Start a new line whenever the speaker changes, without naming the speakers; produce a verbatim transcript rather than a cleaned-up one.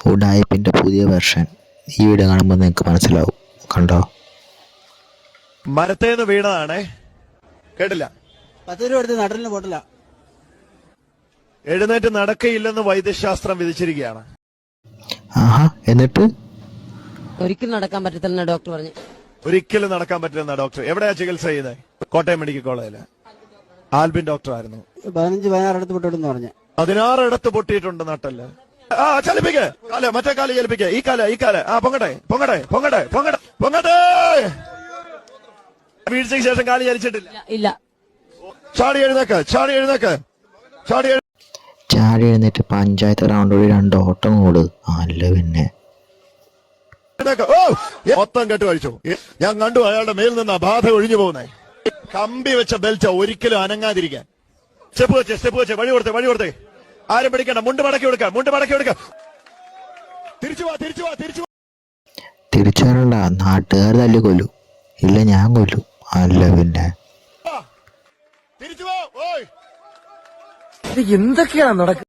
ഉഡായിപ്പിന്റെ പുതിയ വെർഷൻ ഈ വീഡിയോ കാണുമ്പോൾ നിങ്ങൾക്ക് മനസ്സിലാവും. കണ്ടോ?
മരത്തേന്ന് വീണതാണേ. കേട്ടില്ല.
പത്ത് രൂപ എടുത്ത് നട്ടലിന് പോട്ടില്ല.
എഴുന്നേറ്റ് നടക്കയില്ലെന്ന് വൈദ്യശാസ്ത്രം വിധിച്ചിരിക്കുകയാണ്.
ആഹാ, എന്നിട്ട്
ഒരിക്കലും നടക്കാൻ പറ്റത്തില്ലെന്ന് ഡോക്ടർ പറഞ്ഞു.
ഒരിക്കലും നടക്കാൻ പറ്റില്ലെന്ന ഡോക്ടർ. എവിടെയാ ചികിത്സ ചെയ്യുന്നത്? കോട്ടയം മെഡിക്കൽ കോളേജില് ആൽബിൻ ഡോക്ടർ ആയിരുന്നു.
പതിനഞ്ച് പതിനാറ് ഇടത്ത് പൊട്ടിട്ടെന്ന് പറഞ്ഞു.
പതിനാറ് ഇടത്ത് പൊട്ടിയിട്ടുണ്ട് നട്ടല്. ആ ചലിപ്പിക്ക് കാല്, മറ്റേ കാല് ചലിപ്പിക്ക്. ഈ കാല് ഈ കാല് ആ പൊങ്ങട്ടെ പൊങ്ങട്ടെ പൊങ്ങട്ടെ പൊങ്ങട്ടെ പൊങ്ങട്ടെ. വീഴ്ചയ്ക്ക് ശേഷം കാല് ചലിച്ചിട്ടില്ല.
ഇല്ല.
ചാടി എഴുന്നേക്ക്, ചാടി എഴുന്നേക്ക്, ചാടി
ചാടി എഴുന്നേറ്റ് പഞ്ചായത്ത് റൗണ്ട് വഴി രണ്ട് ഓട്ടം ഓട്. അല്ല പിന്നെ
ഓ മൊത്തം കെട്ട് കഴിച്ചു. ഞാൻ കണ്ടു അയാളുടെ മേൽ നിന്ന് ആ ബാധ ഒഴിഞ്ഞു പോകുന്നേ. കമ്പി വെച്ച ബെൽറ്റ് ഒരിക്കലും അനങ്ങാതിരിക്കാൻ. സ്റ്റെപ്പ് വെച്ച് സ്റ്റെപ്പ് വെച്ച് വഴി കൊടുത്തേ വഴി കൊടുത്തേ. ആരും പിടിക്കണ്ട. മുണ്ട് മടക്കി കൊടുക്കാം, മുണ്ട് മടക്കി കൊടുക്കാം. തിരിച്ചു വാ തിരിച്ചു വാ തിരിച്ചു വാ.
തിരിച്ചു വരണ്ട, നാട്ടുകാർ തല്ലി കൊല്ലു. ഇല്ല, ഞാൻ കൊല്ലു. അല്ല പിന്നെ
തിരിച്ചു വാ. ഓയ്
എന്തൊക്കെയാണ് നടക്കുന്നത്?